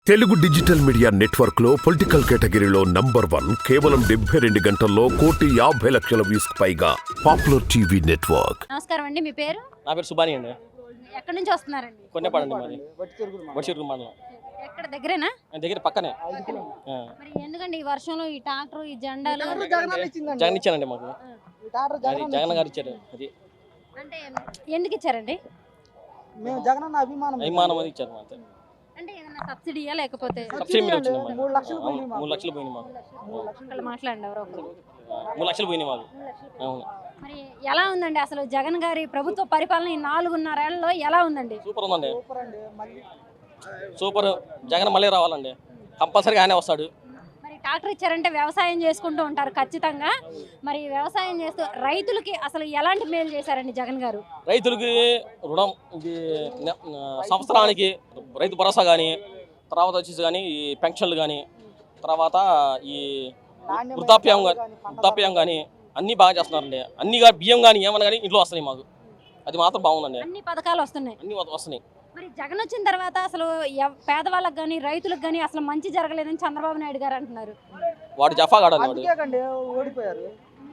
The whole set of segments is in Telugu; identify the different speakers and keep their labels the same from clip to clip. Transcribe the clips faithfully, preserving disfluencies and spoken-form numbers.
Speaker 1: తెలుగు డిజిటల్ మీడియా నెట్వర్క్ లో పొలిటికల్ కేటగిరీలో నంబర్ వన్ కేవలం డెబ్బై రెండు గంటల్లో కోటి యాభై లక్షల వ్యూస్ పైగా పాపులర్ టీవీ నెట్వర్క్.
Speaker 2: నమస్కారం అండి, మీ పేరు?
Speaker 3: నా పేరు సుబాని అండి.
Speaker 2: ఎక్కడి నుంచి వస్తున్నారండి?
Speaker 3: కొన్నేపాడండి మాది, బషీర్ మండలం.
Speaker 2: ఎక్కడ దగ్గరేనా?
Speaker 3: దగ్గర పక్కనే.
Speaker 2: మరి ఎందుకండి ఈ వర్షంలో ఈ ట్రాక్టర్ ఈ జెండాలు?
Speaker 3: జగన్ ఇచ్చానండి మాకు, అది జగన్ గారు ఇచ్చారు. అది
Speaker 2: అంటే ఎందుకు ఇచ్చారండి?
Speaker 4: మేము జగన్ అన్న అభిమానం
Speaker 3: అభిమానం అది ఇచ్చారు మాకు.
Speaker 2: అంటే ఏదైనా సబ్సిడీయా లేకపోతే?
Speaker 3: సబ్సిడీ మీద వచ్చింది మాకు.
Speaker 4: మూడు లక్షలు పోయినాయి మాకు.
Speaker 3: మూడు లక్షలు పోయినాయి మాకు.
Speaker 2: ఒకళ్ళు మాట్లాడండి, ఎవరో ఒకరు.
Speaker 3: మూడు లక్షలు పోయినాయి మాకు. అవును.
Speaker 2: మరి ఎలా ఉందండి అసలు జగన్ గారి ప్రభుత్వ పరిపాలన ఈ నాలుగున్నరేళ్లలో ఎలా ఉందండి?
Speaker 3: సూపర్ ఉందండి,
Speaker 4: సూపర్ అండి. మళ్ళీ
Speaker 3: సూపర్. జగన్ మళ్ళీ రావాలండి, కంపల్సరీగా ఆయనే వస్తాడు.
Speaker 2: మరి ట్రాక్టర్ ఇచ్చారంటే వ్యవసాయం చేసుకుంటూ ఉంటారు ఖచ్చితంగా. మరి వ్యవసాయం చేస్తూ రైతులకి అసలు ఎలాంటి మేలు చేశారండి జగన్ గారు?
Speaker 3: రైతులకి రుణం, ఇది నె- సంవత్సరానికి రైతు భరోసా కానీ, తర్వాత వచ్చేసి కానీ ఈ పెన్షన్లు కానీ, తర్వాత ఈ
Speaker 4: నాణ్యమైన
Speaker 3: వృద్ధాప్యం
Speaker 4: పంటలు
Speaker 3: కానీ
Speaker 4: కానీ, పంట
Speaker 3: వృద్ధాప్యం కానీ అన్నీ బాగా చేస్తున్నారండి. అన్ని కానీ బియ్యం కానీ ఏమన్నా కానీ ఇంట్లో వస్తున్నాయి మాకు. అది మాత్రం బాగుందండి,
Speaker 2: అన్ని పథకాలు వస్తున్నాయి.
Speaker 3: అన్ని వస్తున్నాయి.
Speaker 2: మరి జగన్ వచ్చిన తర్వాత అసలు ఎవ్- పేదవాళ్ళకి కానీ రైతులకు కానీ అసలు మంచి జరగలేదని చంద్రబాబు నాయుడు గారు అంటున్నారు.
Speaker 3: వాడు జఫా కాడాలి వాడు.
Speaker 4: అందుకే కండి ఓడిపోయారు.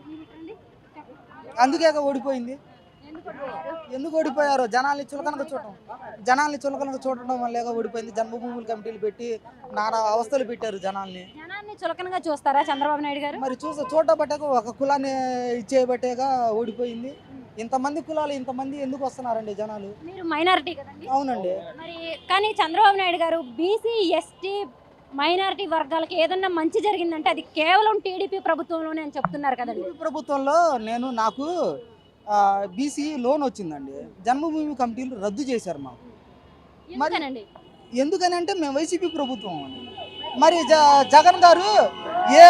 Speaker 4: అందుకే ఓడిపోయింది. ఎందుకు ఓడిపోయారు? జనాల్ని చులకనగా చూడటం జనాల్ని చులకనగా చూడటం వల్లే ఓడిపోయింది. జన్మభూముల కమిటీలు పెట్టి నానా అవస్థలు పెట్టారు జనాల్ని.
Speaker 2: జనాన్ని చులకనగా చూస్తారా చంద్రబాబు నాయుడు గారు?
Speaker 4: మరి చూస చూడబట్టాక ఒక కులాన్ని ఇచ్చేయబట్టేగా ఓడిపోయింది. ఇంతమంది కులాలు ఇంతమంది ఎందుకు వస్తున్నారండి జనాలు?
Speaker 2: మీరు మైనారిటీ కదండి.
Speaker 4: అవునండి.
Speaker 2: మరి కానీ చంద్రబాబు నాయుడు గారు బీసీ ఎస్టీ మైనారిటీ వర్గాలకి ఏదన్నా మంచి జరిగిందంటే అది కేవలం టీడీపీ ప్రభుత్వంలోనే అని చెప్తున్నారు కదండి.
Speaker 4: టీడీపీ ప్రభుత్వంలో నేను నాకు బీసీ లోన్ వచ్చిందండి. జన్మభూమి కమిటీలు రద్దు చేశారు మాకు.
Speaker 2: ఎందుకనండి?
Speaker 4: ఎందుకని అంటే మేము వైసీపీ ప్రభుత్వం అండి. మరి జ జగన్ గారు ఏ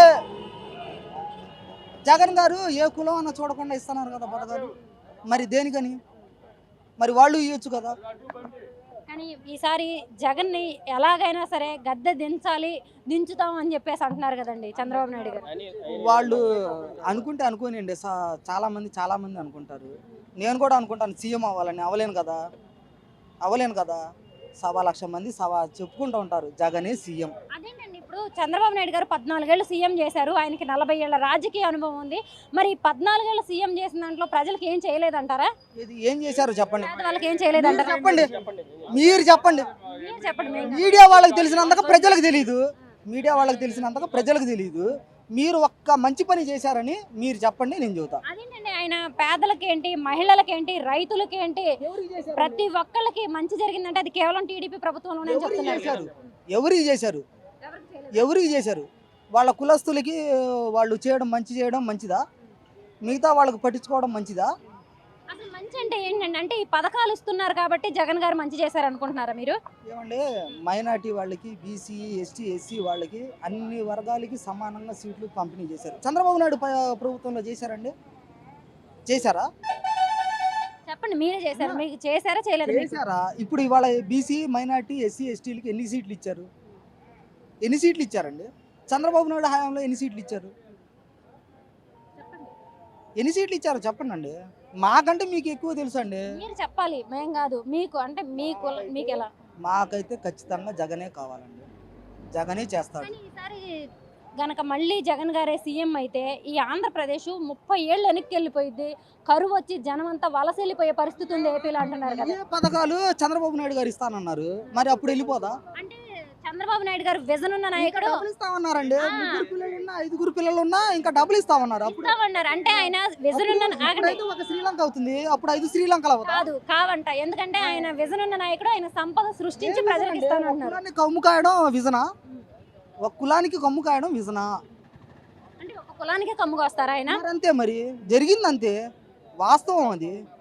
Speaker 4: జగన్ గారు ఏ కులం అన్న చూడకుండా ఇస్తున్నారు కదా పథకాలు. మరి దేనికని? మరి వాళ్ళు ఇవ్వచ్చు కదా.
Speaker 2: కానీ ఈసారి జగన్ని ఎలాగైనా సరే గద్దె దించాలి, దించుతాం అని చెప్పేసి అంటున్నారు కదండి చంద్రబాబు నాయుడు గారు.
Speaker 4: వాళ్ళు అనుకుంటే అనుకోనిండి. చాలా మంది చాలా మంది అనుకుంటారు. నేను కూడా అనుకుంటాను సీఎం అవ్వాలని. అవ్వలేను కదా, అవ్వలేను కదా. సవా లక్ష మంది సవా చెప్పుకుంటూ ఉంటారు జగనే సీఎం.
Speaker 2: అదేంటండి, ఇప్పుడు చంద్రబాబు నాయుడు గారు పద్నాలుగేళ్ళు సీఎం చేశారు. ఆయనకి నలభై ఏళ్ల రాజకీయ అనుభవం ఉంది. మరి పద్నాలుగేళ్ళు సీఎం చేసిన దాంట్లో ప్రజలకు ఏం చేయలేదంటారా?
Speaker 4: ఇది ఏం చేశారు చెప్పండి.
Speaker 2: వాళ్ళకి ఏం చేయలేదంటారా?
Speaker 4: చెప్పండి, మీరు చెప్పండి.
Speaker 2: మీరు చెప్పండి. మేము
Speaker 4: మీడియా వాళ్ళకి తెలిసినంతగా ప్రజలకు తెలియదు. మీడియా వాళ్ళకి తెలిసినంతగా ప్రజలకు తెలియదు. మీరు ఒక్క మంచి పని చేశారని మీరు చెప్పండి, నేను చెబుతా.
Speaker 2: అదేంటండి, ఆయన పేదలకేంటి, మహిళలకేంటి, రైతులకేంటి, ప్రతి ఒక్కళ్ళకి మంచి జరిగిందంటే అది కేవలం టీడీపీ ప్రభుత్వంలోనే చెప్తున్నారు.
Speaker 4: చేశారు ఎవరికి చేశారు ఎవరికి చేశారు వాళ్ళ కులస్తులకి వాళ్ళు చేయడం మంచి చేయడం మంచిదా? మిగతా వాళ్ళకి పట్టించుకోవడం మంచిదా?
Speaker 2: అసలు మంచి అంటే ఏంటండి? అంటే ఈ పథకాలు ఇస్తున్నారు కాబట్టి జగన్ గారు మంచి చేశారు అనుకుంటున్నారా మీరు?
Speaker 4: ఏమంటే మైనార్టీ వాళ్ళకి, బీసీ, ఎస్టీ, ఎస్సీ వాళ్ళకి అన్ని వర్గాలకి సమానంగా సీట్లు పంపిణీ చేశారు. చంద్రబాబు నాయుడు ప- ప్రభుత్వంలో చేశారండి? చేశారా?
Speaker 2: చెప్పండి, మీరే చేశారు. మీకు చేశారా చేయలేదు?
Speaker 4: చేశారా? ఇప్పుడు ఇవాళ బీసీ, మైనార్టీ, ఎస్సీ, ఎస్టీలకి ఎన్ని సీట్లు ఇచ్చారు? ఎన్ని సీట్లు ఇచ్చారండి? చంద్రబాబు నాయుడు హయాంలో ఎన్ని సీట్లు ఇచ్చారు? ఎన్ని సీట్లు ఇచ్చారో చెప్పండి అండి. మాకంటే మీకు ఎక్కువ తెలుసు అండి.
Speaker 2: మీరు చెప్పాలి, మేం కాదు. మీకు అంటే మీకు మీకు ఎలా?
Speaker 4: మాకైతే ఖచ్చితంగా జగనే కావాలండి. జగనే చేస్తాడు.
Speaker 2: కానీ ఈసారి గనక మళ్ళీ జగన్ గారే సీఎం అయితే ఈ ఆంధ్రప్రదేశ్ ముప్పై ఏళ్ళు వెనక్కి వెళ్ళిపోయింది. కరువు వచ్చి జనం అంతా వలస వెళ్ళిపోయే పరిస్థితి ఉంది ఏపీలో అంటున్నారు కదా.
Speaker 4: ఏ పథకాలు చంద్రబాబు నాయుడు గారు ఇస్తానన్నారు, మరి అప్పుడు వెళ్ళిపోదా?
Speaker 2: అంటే చంద్రబాబు నాయుడు గారు విజన్ ఉన్న నాయకుడు.
Speaker 4: డబ్బులు ఇస్తామన్నారండి.
Speaker 2: ఆ.
Speaker 4: ముగ్గురు పిల్లలున్నా ఐదుగురు పిల్లలు ఉన్నా ఇంకా డబ్బులు ఇస్తామన్నారు. అప్పుడు
Speaker 2: ఇస్తామన్నారు. అంటే ఆయన విజన్ ఉన్న ఆగండి.
Speaker 4: అప్పుడైతే ఒక శ్రీలంక అవుతుంది, అప్పుడు ఐదు శ్రీలంకలు అవుతా.
Speaker 2: కాదు కావంట. ఎందుకంటే ఆయన విజన్ ఉన్న నాయకుడు. ఆయన సంపద సృష్టించి ప్రజలకు ఇస్తానంటున్నారు.
Speaker 4: కులాన్ని కమ్ము కాయడం విజనా? ఒక కులానికి కమ్ము కాయడం విజనా?
Speaker 2: అంటే ఒక కులానికి కమ్ముగా వస్తారా ఆయన?
Speaker 4: మరి అంతే, మరి జరిగిందంతే, వాస్తవం అది.